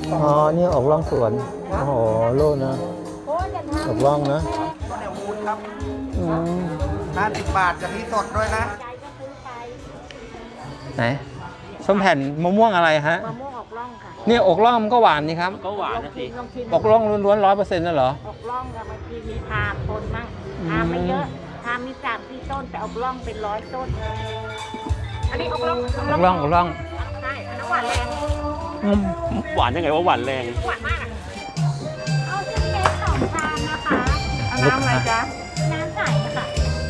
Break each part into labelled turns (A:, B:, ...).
A: อ๋อนี่ออกร่องสวนโอ้โหโลนะออกร่องนะ
B: ข้าวเหนียวมูนครับ
A: 50
B: บาทกะทิสดด้วยนะ
A: ไหนส้มแผ่นมะม่วงอะไรฮะ
C: มะม่วงออกร่องค่ะ
A: นี่อกร่องมันก็หวานนี่ครับ
D: ก็หวานนะสิ
A: อกร่องล้วนๆ100%นั่นเหรอ
C: ออกร่องกับบางทีมีทามต้นมั่งทามไม่เยอะทามมี3-4 ต้นแต่ออกร่องเป็น100 ต้นอันนี้ออกร่องใช่อันนั้นหวานแรง
D: หวานยังไงว่าหวานแรง
C: หวานมากเอาเส้นเล็ก2 ชามนะคะเอาน้ำอะไรจ๊ะน้ำใสค่ะ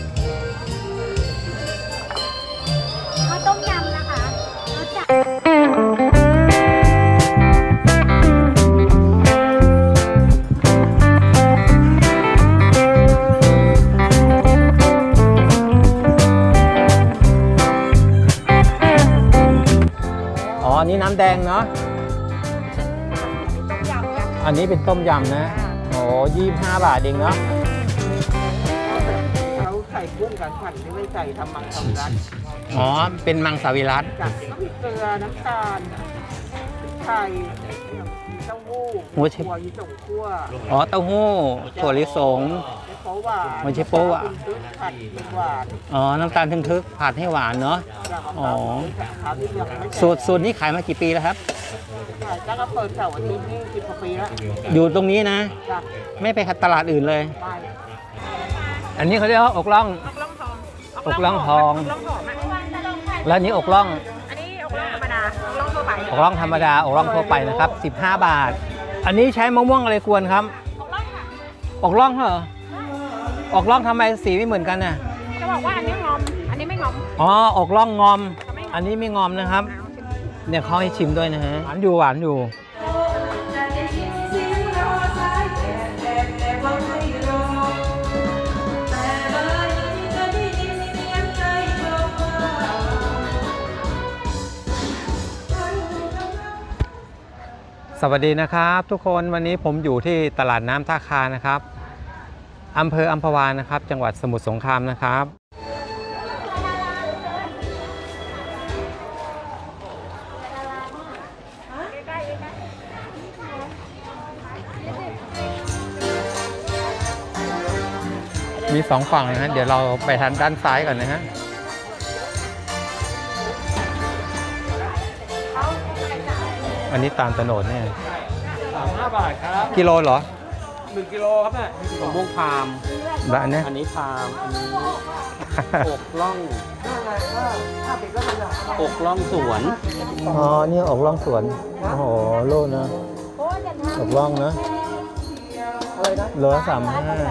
C: เอาต้มยำนะคะรสจัด
A: อันนี้น้ำแดงเนาะอันนี้เป็นต้มยำนะโอ้25 บาทเองเนาะ
B: เขาใส่กุ้งกับผัดไม่ใส่ทำมังสวิรัติ
A: อ๋อเป็นมังสวิรัติ
B: กับพริกเกลือน้ำตาลไข่เต้าหู้ถั่วลิสงคั่ว
A: อ๋อเต้าหู้ถั่วลิสงไม่ใช่โป๊ะอ่ะ
B: ผัดหวาน
A: อ๋อน้ำตาลทึกผัดให้หวานเนาะอ๋อสูตรนี้ขายมากี่ปีแล้วครับ
B: ขายตั้งแต่เปิดเสาร์อาทิตย์นี่10 กว่าปีแล้ว
A: อยู่ตรงนี้นะไม่ไปตลาดอื่นเลยอันนี้เขาเรียกว่าอกล่องอกล่องทองแล้วนี้อกล่อง
C: อันนี้อกล่องธรรมดาอกล่องทั่วไป
A: อกล่องธรรมดาอกล่องทั่วไปนะครับ15 บาทอันนี้ใช้มะม่วงอะไรกวนครับอกล่องเหรออกล่องทำไมสีไม่เหมือนกันน่ะ
C: จะบอกว่าอันนี้งอมอันนี้ไม่งอม
A: อ๋ออกล่องงอมอันนี้ไม่งอมนะครับเนี่ยเขาให้ชิมด้วยนะฮะหวานอยู่สวัสดีนะครับทุกคนวันนี้ผมอยู่ที่ตลาดน้ำท่าคานะครับอำเภออัมพวานะครับจังหวัดสมุทรสงครามนะครับมี2 ฝั่งนะฮะเดี๋ยวเราไปทางด้านซ้ายก่อนนะฮะอันนี้ตาลตะโนดเนี่ย
D: 35 บาทครับ
A: กิโลเหรอ
D: 1 กิโลครับเนี่ยมะม่วงพาม
A: แบบนี้
D: อันนี้พามอันนี้อกล่องสวน
A: อ๋อนี่อกล่องสวนโอ้โหโลนะอกล่องนะโลละ35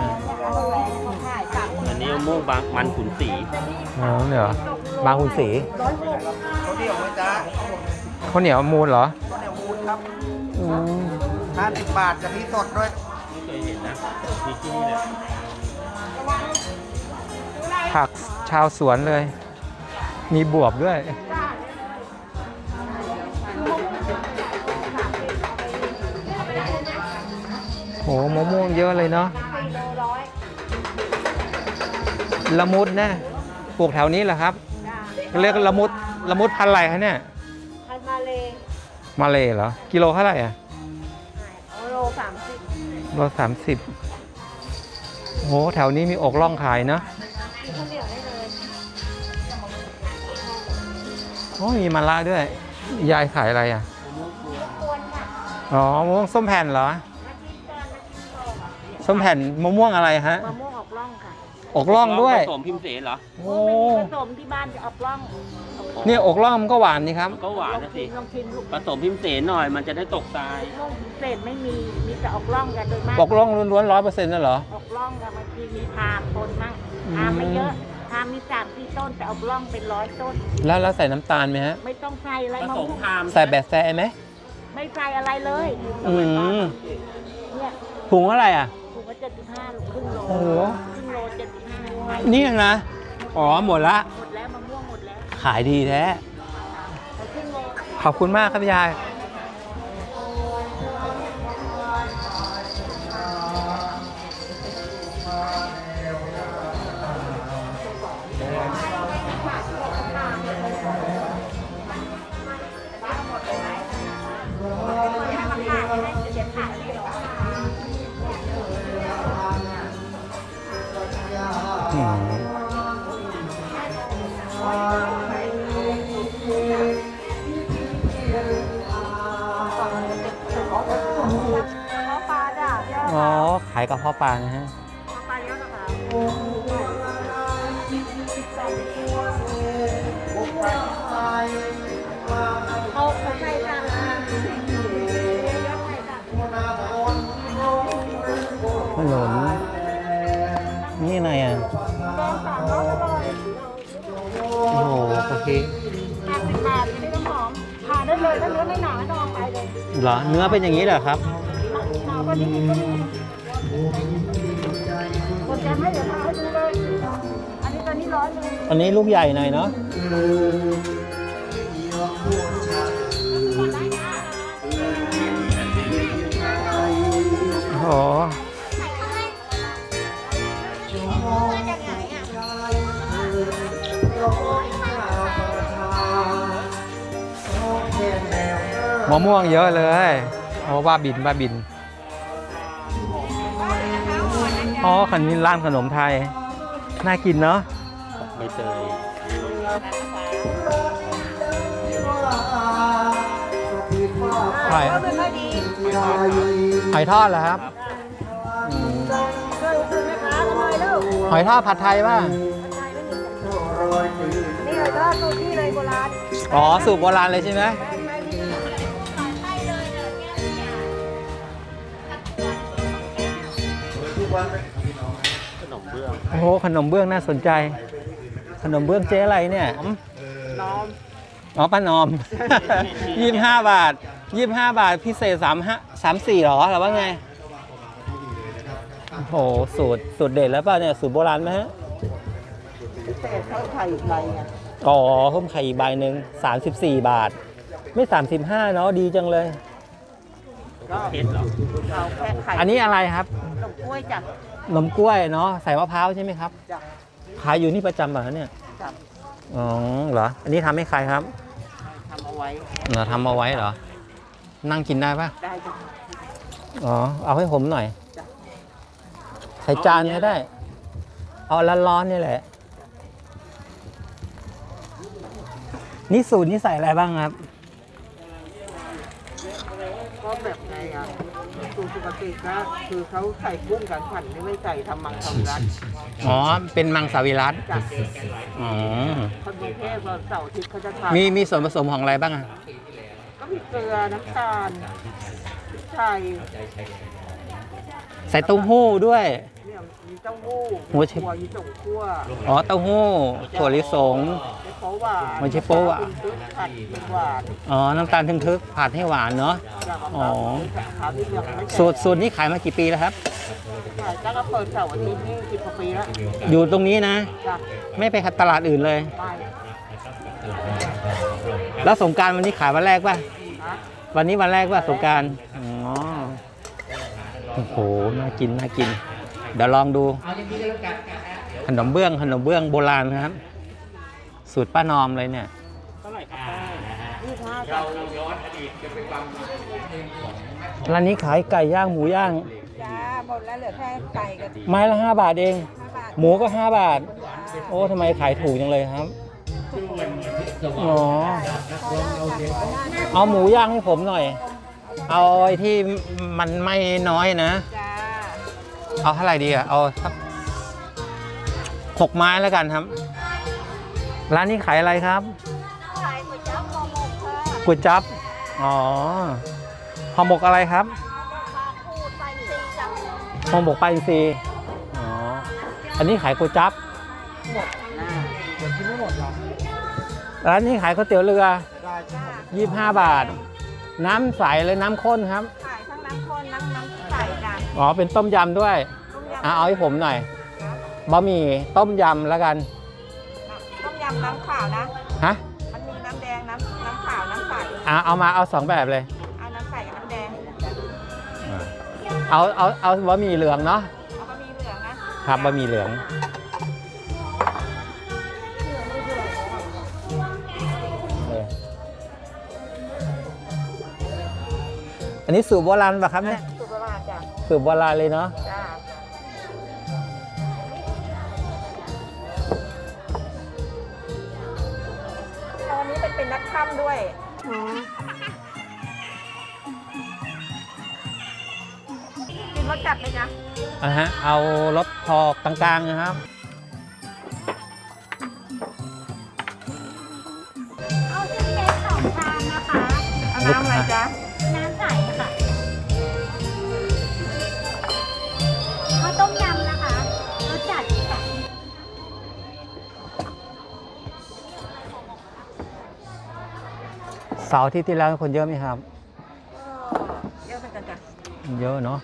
D: อันนี้มะม่วงบางมันขุนศรี
A: อ๋อเนี่ยบางขุนศรี
B: ข้าวเหนียวไหมจ๊ะ
A: ข้าวเหนียวมูลเหรอ
B: ข้าวเหนียวมูนครับ50 บาทกะทิสดด้วย
D: ไม่เคยเห็นนะมีที่นี่เลย
A: ผักชาวสวนเลยมีบวบด้วยโหมะม่วงเยอะเลยเนาะละมุดนะปลูกแถวนี้แหละครับเรียกละมุดพันธุ์อะไรคะเนี่ย
C: พันมา
A: เลเหรอกิโลเท่าไหร่อ่ะ
C: โล30
A: โล30โหแถวนี้มีอกล่องขายเนาะโอ้มีมะระด้วยยายขายอะไรอ่ะอ๋อมะม่วงส้มแผ่นเหรอส้มแผ่นมะม่วงอะไรฮะ
C: มะม่วงออกร่องค่ะ
A: อกล่องด้วย
D: ผสมพิมเสนเหรอ
A: โอ้
C: ผสมที่บ้านจะออกร่อง
A: นี่อกล่องมันก็หวานนี่ครับ
D: ก็หวานนะสิผสมพิมเสนหน่อยมันจะได้ตกทราย
C: เศษไม่มีแต่ออกร่องกันโดยมาก
A: อกล่องล้วนๆ100%นั่นเหรอ
C: ออกร่องกับบางทีมีทามต้นมั่งทามไม่เยอะทามมี3-4 ต้นแต่ออกร่องเป็น100 ต้น
A: แล้วใส่น้ำตาลไหมฮะ
C: ไม่ต้องใส่อะไร
D: ผสมทาม
A: ใส่แบบแซ่ไหม
C: ไม่ใส่อะไรเลย
A: เนี่ยถุงอะไรอ่ะ
C: ถุงละ75 ครึ่งโล
A: โอ้โห
C: ครึ่งโล75
A: นี่นะอ๋อหมดแล้ว
C: มะม่วงหมดแล้ว
A: ขายดีแท้ขอบคุณมากครับยายายกระเพาะปลานะฮะ
C: ปลาเยอะนะคะ เอาใส่กัน
A: ขนมนี่อะไรอ่ะ โอ้โหโอเค
C: 50 บาทจะได้น้ำหอมทานได้เลยถ้าเนื้อไม่หนาไม่ต้องเอาไปเลย
A: เหรอเนื้อเป็นอย่างนี้เหรอครับ
C: หนาก็ดีก็ดีกดแกไม่เดี๋ยวทาให้ดูเลยอันนี้ตอนนี้100เลย
A: อันนี้ลูกใหญ่หน่อยเนาะโอ้โหมะม่วงเยอะเลยโอ้บ้าบินบ้าบินอ๋อคันนี้ร้านขนมไทยน่ากินเนาะ
D: ใบเตย
A: หอยหอยทอดเหรอครับหอยทอดผัดไทยป่ะ
C: นี่เลยก็สูตรที่เลยโบราณ
A: อ๋อสูตรโบราณเลยใช่ไหม
D: ขนมเบื้อง
A: โอ้โหขนมเบื้องน่าสนใจ ขนมเบื้องเจ๊อะไรเนี่ย
B: น้อม
A: อ๋อป้านอม 25 บาท 25 บาทพิเศษ34หรอหรือว่าไงโอ้โหสูตรเด็ดแล้วป่ะเนี่ยสูตรโบราณไหมฮะ
B: พิเศษเขาไข่อีกใบอ่ะ
A: อ๋อเพิ่มไข่อีกใบหนึ่ง34 บาท ไม่ 35เนาะดีจังเลย
B: ก็
D: เพชรเหรอ
B: เอาแค่ไข่
A: อันนี้อะไรครับ
B: ขนมกล้วยจ้ะ
A: ขนมกล้วยเนาะใส่มะพร้าวใช่ไหมครับ
B: จ้ะ
A: ขายอยู่นี่ประจำเหรอเนี่ย
B: จ้ะ
A: อ๋อเหรออันนี้ทำให้ใครครับ
B: ทำเอาไว้
A: เหรอทำเอาไว้เหรอนั่งกินได้ปะ
B: ได้จ้ะ
A: อ๋อเอาให้ผมหน่อย
B: จ้ะ
A: ใส่จานก็ได้ เอาร้อนๆนี่แหละ นี่สูตรนี่ใส่อะไรบ้างครับ
B: ก็แบบไงอ่ะสูตรปกติก็คือเขาใส่กุ้งกับขันนี่ไม่ใส่ทำมังสวิรัติ
A: อ๋อ เป็นมังสวิรัติ
B: จ้ะ
A: อ๋อ
B: คนกรุงเทพวันเสาร์อาทิตย์เขาจะทาน
A: มีส่วนผสมของอะไรบ้างอะ
B: ก็มีเกลือน้ำตาลพริกไทย
A: ใส่เต้าหู้ด้วย
B: เนี่ยมีเต้าหู้
A: หัวเชฟ
B: ถั่วยี่สงคั่ว
A: อ๋อ เต้าหู้ ถั่วลิสง
B: ไม่โป๊หวาน
A: ไม่ใช่โป๊หวาน
B: เป็นผัดเป็นหวาน
A: อ๋อ น้ำตาลทึกๆผัดให้หวานเนาะ
B: จากมะพ
A: อ๋
B: ร้า
A: อ
B: วขาวที่ยังไม่แก่
A: สูตรนี้ขายมากี่ปีแล้วครับ
B: ขายแล้วก็เปิดเสาร์อาทิตย์นี่10 กว่าปีแล้ว
A: อยู่ตรงนี้นะ
B: จ้ะ
A: ไม่ไปตลาดอื่นเลย
B: ไม่
A: แล้วสงกรานต์วันนี้ขายวันแรกป่ะ
B: นะ
A: วันนี้วันแรกป่ะสงกรานต์อ๋อ โอ้โห น่ากิน น่ากิน เดี๋ยวลองดู ขนมเบื้องโบราณนะครับ สูตรป้านอมเลยเนี่ย
D: เท่าไหร่ครับป้า
B: 25จ้ะ
A: ร้านนี้ขายไก่ย่างหมูย่าง
C: จ้าหมดแล้วเหลือแค่ไก่กับ
A: ไม้ละ5 บาทเอง
C: 5 บาท
A: หมูก็5 บาท โอ้ทำไมขายถูกจังเลยครับ อ๋อ เอาหมูย่างให้ผมหน่อย เอาไอ้ที่มันไม่น้อยนะ
C: จ้า
A: เอาเท่าไหร่ดีอะเอาสัก6 ไม้แล้วกันครับ ร้านนี้ขายอะไรครับ
C: ขายก๋วยจั๊บห่อหมกค่ะ
A: ก๋วยจั๊บ อ๋อห่อหมกอะไรครับ
C: ปลาคูดใส่ซีจัง
A: ห่อหมกปลาอินทรีอ๋อ อันนี้ขายก๋วยจั๊บ
B: หมดหน้าเดี๋ยวกินไม่หมดหรอก
A: ร้านนี้ขายก๋วยเตี๋ยวเรือ
B: ได้จ้ะ
A: 25 บาท น้ำใสเลยน้ำข้นครับ
C: ขายทั้งน้ำข้นน้ำใสจ้ะ
A: อ๋อ เป็นต้มยำด้วย
C: ต้มยำ
A: เอาให้ผมหน่อย บะหมี่ต้มยำแล้วกัน
C: ต้มยำน้ำขาวนะ
A: ฮะ
C: มันมีน้ำแดงน้ำขาวน้ำใส
A: เอา 2 แบบเลย
C: เอาน้ำใสกับน้ำแดง
A: เอาบะหมี่เหลืองเนาะ
C: เอาบะหมี่เหลืองนะครับ
A: บะหมี่เหลือง อันนี้สูตรโบราณป่ะครับเนี่ย
C: สูตรโบราณจ้ะ
A: สูตรโบราณเลยเนาะ
C: จ้าตอนนี้เป็นนักค่ำด้วยกินรสจัดเลยจ้ะ
A: เอารสพอกลางๆนะครับ
C: เอาชิ้นเล็ก2 ชามนะคะ
B: เอาน้ำอะไรจ๊ะ
C: น้ำใสค่ะเอาต้มยำนะคะรสจัดค่ะ
A: เสาร์อาที่แล้วคนเยอะไหมครับ
B: เยอะเหมือนกันจ้ะ
A: เยอะเนาะ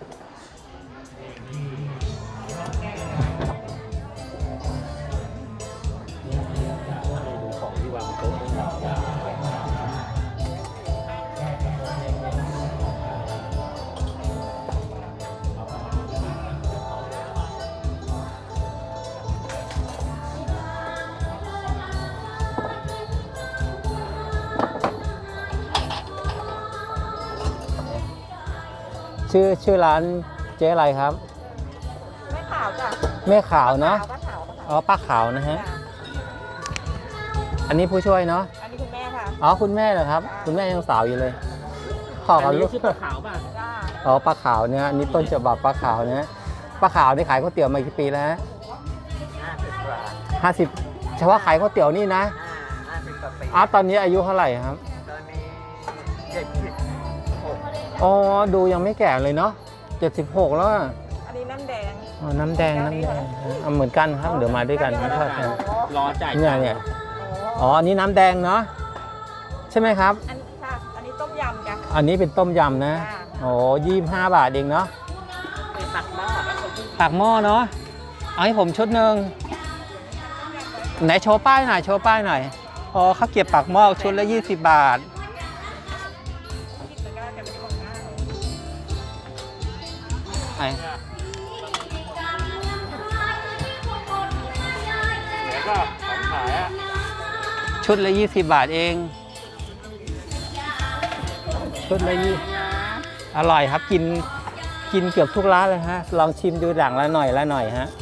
A: ชื่อร้านเจ๊อะไรครับ
B: ไม่ขาวจ้ะ
A: แม่ขาวเนาะ
B: ขาวก็ขาว
A: อ๋อป้าขาวนะฮะ อันนี้ผู้ช่วยเนาะ
B: อันนี้คุณแม่ค่ะ
A: อ๋อคุณแม่เหรอครับ คุณแม่ยังสาวอยู่เลยขอ
D: อั
A: กับ
D: น
A: ลู
D: นี้
A: ก
D: ชื่อปลาขาวป่ะ
B: จ้า
A: อ๋อป้าขาวเนี่ยอันนี้ต้นฉบับป้าขาวเนี่ยป้าขาวนี่ขายก๋วยเตี๋ยวมากี่ปีแล้วฮะ
B: 50 กว่า
A: 50เฉพาะขายก๋วยเตี๋ยวนี่นะ
B: 50 กว่าปี
A: ตอนนี้อายุเท่าไหร่ครับ
B: ตอนนี้76
A: อ๋อดูยังไม่แก่เลยเนาะ76แล้วอะ
B: อันนี้น้ำแดง
A: อ๋อน้ำแดงเอาเหมือนกันครับเดี๋ยวมาด้วยกันไม่ทอดกัน
D: รอจ่าย
A: เนี่ยอ๋ออันนี้น้ำแดงเนาะใช่ไหมครับ
B: อันนี้ค่ะ อันนี้ต้มยำจ้ะ
A: อันนี้เป็นต้มยำนะ
B: จ้า
A: โอ้25 บาทเองเนาะ
B: ตักหม้อ
A: ปากหม้อเนาะเอาให้ผมชุดหนึ่งไหนโชว์ป้ายหน่อยโชว์ป้ายหน่อยอ๋อข้าวเกรี๊ยวปากหม้อชุดละ20 บาทไอ
D: แล้วก็ของขายอ่ะ
A: ชุดละ20 บาทเองชุดละอร่อยครับกินเกือบทุกร้านเลยฮะลองชิมดูหลังละหน่อยฮะ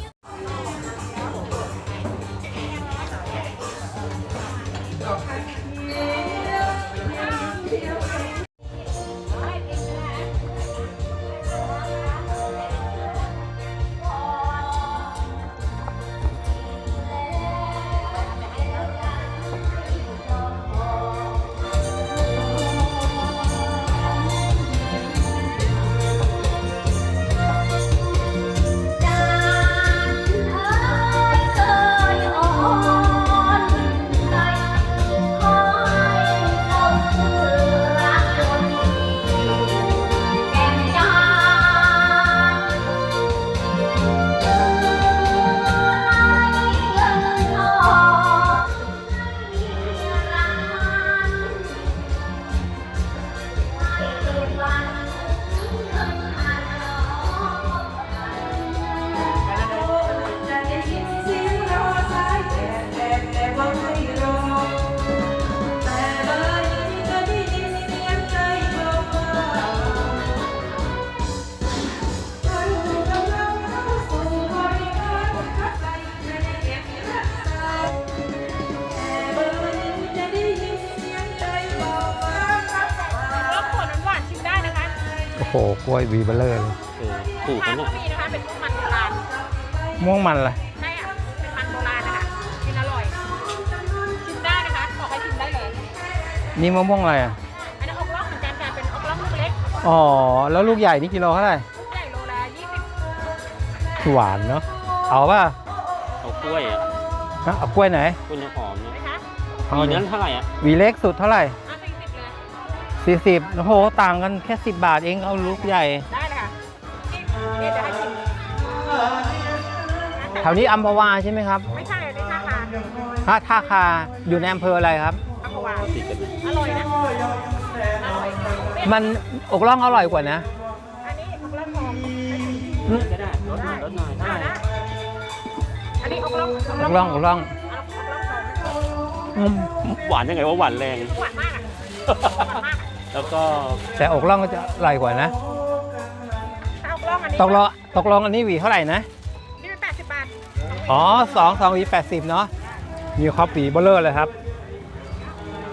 A: โอ้โหกล้วยวีเบลเลอร์เลย
D: ถูก
C: ทา
D: นะ
C: น
D: เนี่ย
C: ก็มีนะคะเป็นพวกมันโบราณ
A: ม่วงมันอะไร
C: ใช่อ่ะเป็นมันโบราณนะคะกินอร่อยชิมได้นะคะบอกให้ชิมได้เลย
A: นี่มะม่วงอะไรอ่ะ
C: อันนี้อกล่องเหมือนกันค่ะเป็นอกล่องลูกเล็ก
A: อ๋อแล้วลูกใหญ่นี่กิโลเท่าไหร่
C: ลูกใหญ่โลละ20
A: หวานเนาะเอาป่ะ
D: เอากล้วยอ่ะ
A: เอากล้วยไหน
D: กล้วยน้ำหอมเนี่ย
C: ไหมคะ
A: เอา
D: มี
A: ดิ
D: นั้นเท่าไหร่อ่ะ
A: หวีเล็กสุดเท่าไหร่
C: 40เลย
A: 40โอ้โหต่างกันแค่10 บาทเองเอาลูกใหญ่
C: ได้เลยค่ะนี่จะให้ชิม
A: แถวนี้อัมพวาใช่ไหมครับ
C: ไม่ใช่เลยท่าทาน
A: ท่าคาอยู่ในอำเภออะไรครับ
C: อัมพวา
D: ติดกันเลย
C: อร่อยนะอร่อย
A: มันอกล่องอร่อยกว่านะ
C: อันนี้อกล่องทอง
D: ก็ได้ลดหน่อยลดหน่อยได้
C: ได้อันนี้อกล่อง
A: อกล่องอกล่อง
C: ทอง
D: หวานยังไงว่าหวานแรง
C: หวานมากอ่ะหวานมาก
D: แล้วก็
A: แต่อกล่องก็จะอร่อยกว่านะ
C: ถ้าอกล่องอันนี้
A: ตกลงอันนี้หวีเท่าไหร่นะ
C: นี่เป็น80 บาท
A: อ๋อ2หวี80เนาะมีครอบหวีเบลเลอร์เลยครับ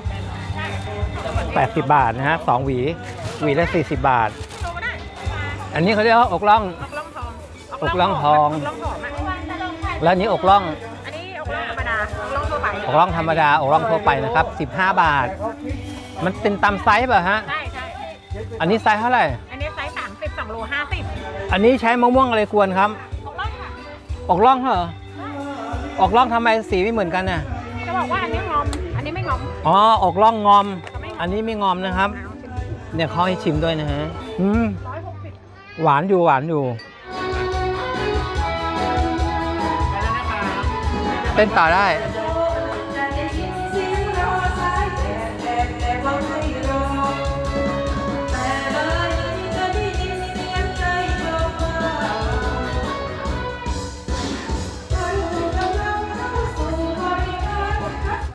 A: 80 บาทนะฮะ2หวีละ40 บาท
C: โตก็ได้
A: อันนี้เขาเรียกว่าอกล่อง
C: อกล่องทอง
A: อกล่องทอง
C: อกล่องหอมอ่ะ
A: แล้วอันนี้อกล่อง
C: อันนี้อกล่องธรรมดาอกล่องทั่วไป
A: อกล่องธรรมดาอกล่องทั่วไปนะครับ15 บาท มันเป็นตามไซส์ป่ะฮะ
C: ใช่ใช่
A: อันนี้ไซส์เท่าไหร่
C: อันนี้ไซส์30 2 โล 50
A: อันนี้ใช้มะม่วงอะไรกวนครับ
C: อกล่องค่ะ
A: อกล่องเหรออกล่องทำไมสีไม่เหมือนกันน่ะ
C: จะบอกว่าอันนี้งอม อันนี้ไม่งอม
A: อ๋ออกล่องงอม อันนี้ไม่งอมนะครับ เนี่ยเขาให้ชิมด้วยนะฮะหวานอยู่หวานอยู่เต้นต่อได้